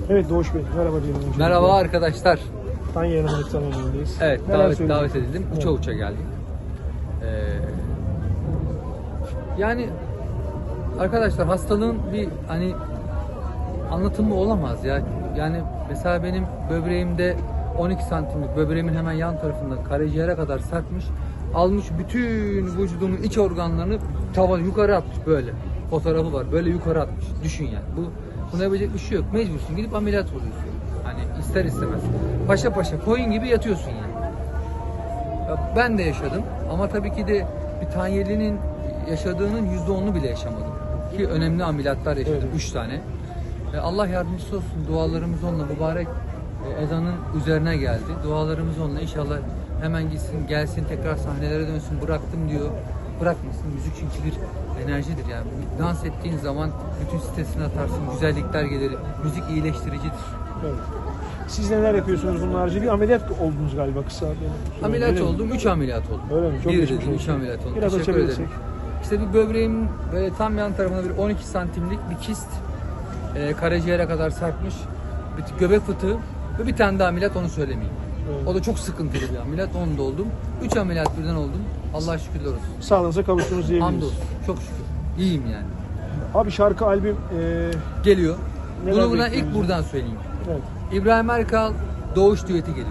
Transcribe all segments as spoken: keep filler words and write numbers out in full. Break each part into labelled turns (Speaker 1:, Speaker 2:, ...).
Speaker 1: Evet Doğuş Bey, merhaba diyelim. öncelikle.
Speaker 2: Merhaba arkadaşlar.
Speaker 1: Tanya Hanım'ın önündeyiz.
Speaker 2: Evet,
Speaker 1: Neler
Speaker 2: davet
Speaker 1: söyleyeceksiniz?
Speaker 2: davet edildim.
Speaker 1: Evet.
Speaker 2: Uça uça geldik. Ee, yani arkadaşlar hastalığın bir hani anlatımı olamaz ya. Yani mesela benim böbreğimde on iki santimlik böbreğimin hemen yan tarafında karaciğere kadar sarkmış. Almış bütün vücudumun iç organlarını tavan yukarı atmış böyle. Fotoğrafı var. Böyle yukarı atmış. Düşün yani. Bu buna yapacak bir şey yok. Mecbursun gidip ameliyat oluyorsun. Hani ister istemez. Paşa paşa koyun gibi yatıyorsun yani. Ya ben de yaşadım ama tabii ki de bir tanyelinin yaşadığının yüzde onunu bile yaşamadım. Ki önemli ameliyatlar yaşadım.
Speaker 1: Evet.
Speaker 2: Üç tane. E, Allah yardımcısı olsun. Dualarımız onunla mübarek e, ezanın üzerine geldi. Dualarımız onunla inşallah hemen gitsin, gelsin, tekrar sahnelere dönsün. Bıraktım diyor. Bırakmasın. Müzik çünkü bir enerjidir yani. Dans ettiğin zaman bütün stresini atarsın. Güzellikler gelir. Müzik iyileştiricidir.
Speaker 1: Evet. Siz neler yapıyorsunuz bunun harici? Bir ameliyat oldunuz galiba kısa. benim-
Speaker 2: Ameliyat
Speaker 1: Öyle mi?
Speaker 2: oldum. Üç ameliyat oldum.
Speaker 1: Öyle mi? Çok
Speaker 2: bir
Speaker 1: geçmiş
Speaker 2: dedim, üç
Speaker 1: olsun.
Speaker 2: ameliyat oldum.
Speaker 1: Biraz
Speaker 2: Teşekkür
Speaker 1: açabilirsek.
Speaker 2: ederim. İşte bir böbreğimin böyle tam yan tarafında bir on iki santimlik bir kist e, karaciğere kadar sarkmış. Bir göbek fıtığı ve bir tane daha ameliyat, onu söylemeyeyim.
Speaker 1: Evet.
Speaker 2: O da çok sıkıntılı bir ameliyat. Onu da oldum. Üç ameliyat birden oldum. Allah'a şükürler olsun.
Speaker 1: Sağlığınıza kavuştunuz diyebiliriz.
Speaker 2: Hamdolsun. Çok şükür. İyiyim yani.
Speaker 1: Abi şarkı, albüm, e,
Speaker 2: Geliyor.
Speaker 1: Neler
Speaker 2: Bunu buna
Speaker 1: bekliyoruz?
Speaker 2: ilk buradan söyleyeyim.
Speaker 1: evet.
Speaker 2: İbrahim Erkal Doğuş düeti geliyor.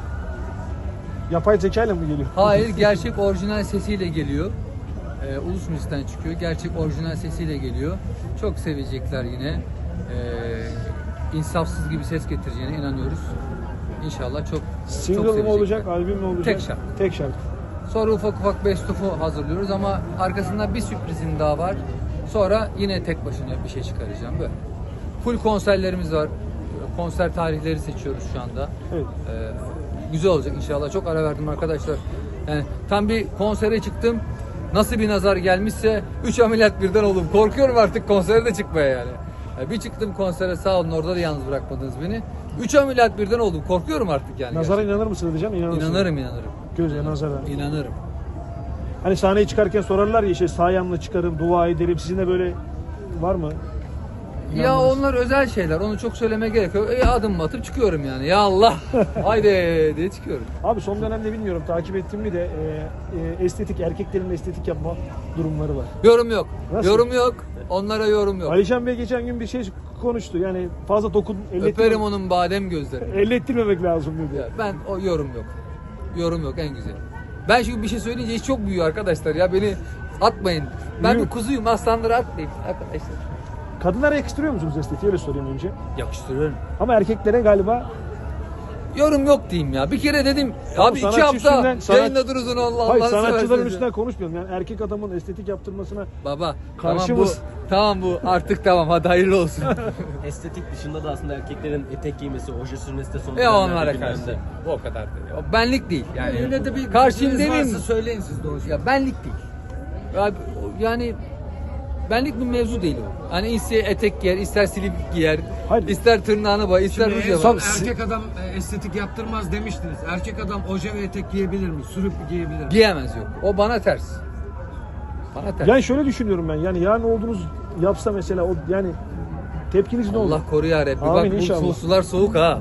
Speaker 1: Yapay zeka ile mi geliyor?
Speaker 2: Hayır, gerçek orijinal sesiyle geliyor. Ee, Ulus Müzik'ten çıkıyor. Gerçek orijinal sesiyle geliyor. Çok sevecekler yine. Ee, insafsız gibi ses getireceğine inanıyoruz. İnşallah çok çok
Speaker 1: Single
Speaker 2: sevecekler.
Speaker 1: mı olacak, albüm mü olacak?
Speaker 2: Tek şarkı.
Speaker 1: Tek şarkı.
Speaker 2: Sonra ufak ufak best of'u hazırlıyoruz ama arkasında bir sürprizim daha var. Sonra yine tek başına bir şey çıkaracağım böyle. Full konserlerimiz var. Konser tarihleri seçiyoruz şu anda.
Speaker 1: Evet.
Speaker 2: Ee, güzel olacak inşallah. Çok ara verdim arkadaşlar. Yani tam bir konsere çıktım. Nasıl bir nazar gelmişse üç ameliyat birden oldum. Korkuyorum artık konsere de çıkmaya yani. Yani bir çıktım konsere, sağ olun, orada da yalnız bırakmadınız beni. üç ameliyat birden oldum. Korkuyorum artık yani.
Speaker 1: Nazara
Speaker 2: gerçekten.
Speaker 1: inanır mısın diyeceğim, inanır mısın?
Speaker 2: İnanırım, inanırım.
Speaker 1: Göze, nazara.
Speaker 2: İnanırım.
Speaker 1: Hani sahneye çıkarken sorarlar ya işte sağ ayağımla çıkarım, dua ederim. Sizin de böyle var mı?
Speaker 2: Ya
Speaker 1: İnandınız.
Speaker 2: onlar özel şeyler. Onu çok söylemeye gerek yok. E, adım atıp çıkıyorum yani. Ya Allah. Haydi diye çıkıyorum.
Speaker 1: Abi son dönemde bilmiyorum takip ettim mi de e, e, estetik, erkeklerin estetik yapma durumları var.
Speaker 2: Yorum yok.
Speaker 1: Nasıl?
Speaker 2: Yorum yok. Onlara yorum yok.
Speaker 1: Alişan Bey geçen gün bir şey konuştu. Yani fazla dokun,
Speaker 2: Öperim
Speaker 1: ellettirme,
Speaker 2: onun badem gözlerini.
Speaker 1: ellettirmemek lazım dedi.
Speaker 2: Ya ben o yorum yok. Yorum yok, en güzel. Ben çünkü bir şey söyleyince iş çok büyüyor arkadaşlar ya, beni atmayın. Ben
Speaker 1: Büyük.
Speaker 2: bir kuzuyum, aslanları atmayın arkadaşlar.
Speaker 1: Kadınlara yakıştırıyor musunuz estetiği, öyle sorayım önce.
Speaker 2: Yakıştırıyorum.
Speaker 1: Ama erkeklere galiba
Speaker 2: Yorum yok diyeyim ya. Bir kere dedim abi iki
Speaker 1: sanatçı
Speaker 2: hafta
Speaker 1: üstünden- sanat-
Speaker 2: yayında durursun Allah
Speaker 1: hayır,
Speaker 2: Allah'ını
Speaker 1: sanatçıların
Speaker 2: seversen.
Speaker 1: üstünden konuşmuyorum. Yani erkek adamın estetik yaptırmasına
Speaker 2: Baba
Speaker 1: Karşı
Speaker 2: tamam bu
Speaker 1: mısın?
Speaker 2: tamam bu artık tamam, hadi hayırlı olsun.
Speaker 3: Estetik dışında da aslında erkeklerin etek giymesi, oje sürmesi de son
Speaker 2: Ya
Speaker 3: dönemlerde
Speaker 2: onlara
Speaker 3: gündemde.
Speaker 2: karşı. O kadar değil. O benlik değil yani.
Speaker 4: Öyle de bir
Speaker 2: Karşıyım
Speaker 4: fikriniz
Speaker 2: demeyeyim.
Speaker 4: varsa söyleyin siz Doğuş.
Speaker 2: Ya benlik değil. Ya, yani benlik bir mevzu değil o. Hani ister etek giyer, ister silip giyer,
Speaker 1: Hayır.
Speaker 2: ister tırnağını boya, ister
Speaker 4: Şimdi
Speaker 2: ruj
Speaker 4: en
Speaker 2: yapar.
Speaker 4: son
Speaker 1: Tabii.
Speaker 4: erkek adam e, estetik yaptırmaz demiştiniz. Erkek adam oje ve etek giyebilir mi? Sürüp giyebilir mi?
Speaker 2: Giyemez yok. O bana ters. Bana ters.
Speaker 1: yani şöyle düşünüyorum ben. Yani yarın olduğunuz yapsa mesela o yani tepkiniz ne olur?
Speaker 2: Allah koru ya Rabbi.
Speaker 1: Amin
Speaker 2: Bak bu
Speaker 1: inşallah.
Speaker 2: su- sular soğuk ha.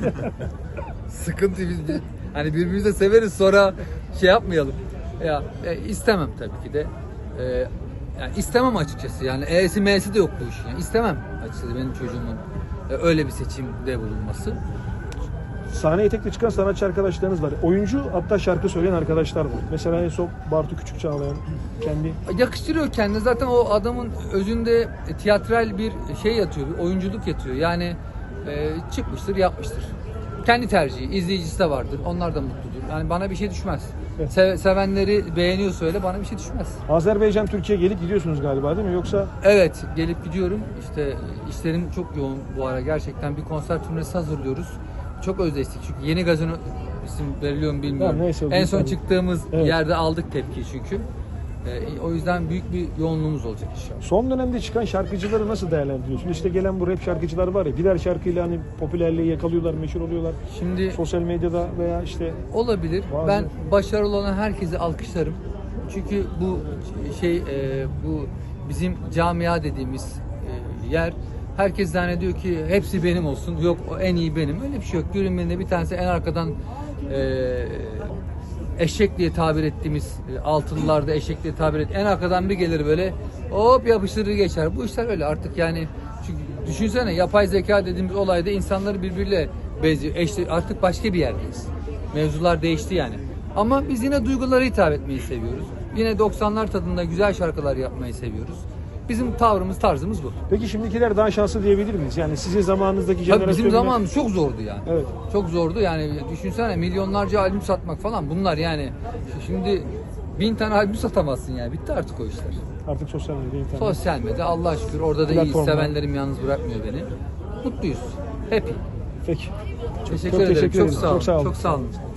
Speaker 2: Sıkıntı biz bir- hani birbirimizi de severiz, sonra şey yapmayalım. Ya e, istemem tabii ki de. E, yani istemem açıkçası. Yani E'si M'si de yok bu işin. Yani istemem açıkçası benim çocuğumun e, öyle bir seçimde bulunması.
Speaker 1: Sahneye etekle çıkan sanatçı arkadaşlarınız var. Oyuncu, hatta şarkı söyleyen arkadaşlar var. Mesela en son Bartu Küçük Çağlayan kendi.
Speaker 2: Yakıştırıyor kendine. Zaten o adamın özünde e, tiyatral bir şey yatıyor, bir oyunculuk yatıyor. Yani e, çıkmıştır, yapmıştır. Kendi tercihi, izleyicisi de vardır. Onlar da mutludur. Yani bana bir şey düşmez.
Speaker 1: Evet.
Speaker 2: Se- sevenleri beğeniyorsa öyle, bana bir şey düşmez.
Speaker 1: Azerbaycan, Türkiye gelip gidiyorsunuz galiba değil mi? Yoksa
Speaker 2: Evet, gelip gidiyorum. İşte işlerim çok yoğun bu ara gerçekten. Bir konser turnesi hazırlıyoruz. Çok özleştik çünkü yeni gazino isim veriliyor mu bilmiyorum.
Speaker 1: Ya neyse,
Speaker 2: en son
Speaker 1: tabii.
Speaker 2: çıktığımız
Speaker 1: Evet.
Speaker 2: yerde aldık tepki çünkü. E, o yüzden büyük bir yoğunluğumuz olacak inşallah.
Speaker 1: son dönemde çıkan şarkıcıları nasıl değerlendiriyorsun? İşte gelen bu rap şarkıcılar var ya, birer şarkıyla hani popülerliği yakalıyorlar, meşhur oluyorlar.
Speaker 2: Şimdi
Speaker 1: Sosyal medyada veya işte
Speaker 2: olabilir.
Speaker 1: Bazı-
Speaker 2: Ben başarılı olan herkesi alkışlarım. Çünkü bu şey e, bu bizim camia dediğimiz e, yer Herkes zannediyor ki hepsi benim olsun. Yok o en iyi benim. Öyle bir şey yok. Görünmeyinde bir tanesi en arkadan e, eşek diye tabir ettiğimiz e, altılılarda eşek diye tabir et. En arkadan bir gelir böyle hop yapıştırır geçer. Bu işler öyle artık yani. Çünkü düşünsene yapay zeka dediğimiz olayda insanları birbiriyle benziyor. Eşte, artık başka bir yerdeyiz. Mevzular değişti yani. Ama biz yine duygulara hitap etmeyi seviyoruz. Yine doksanlar tadında güzel şarkılar yapmayı seviyoruz. Bizim tavrımız, tarzımız bu.
Speaker 1: Peki şimdikiler daha şanslı diyebilir miyiz? Yani sizin zamanınızdaki
Speaker 2: Tabii
Speaker 1: jenerasyon...
Speaker 2: bizim zamanımız çok zordu yani.
Speaker 1: Evet.
Speaker 2: Çok zordu yani düşünsene milyonlarca albüm satmak falan bunlar yani. Şimdi bin tane albüm satamazsın yani. Bitti artık o işler.
Speaker 1: Artık sosyal medya, internet.
Speaker 2: Sosyal medya Allah'a şükür orada da iyi
Speaker 1: Platformlar.
Speaker 2: sevenlerim yalnız bırakmıyor beni. Mutluyuz. Happy.
Speaker 1: Peki.
Speaker 2: Teşekkür
Speaker 1: çok
Speaker 2: ederim.
Speaker 1: teşekkür
Speaker 2: Çok
Speaker 1: ederiz.
Speaker 2: sağ olun.
Speaker 1: Çok sağ olun.
Speaker 2: Çok sağ olun.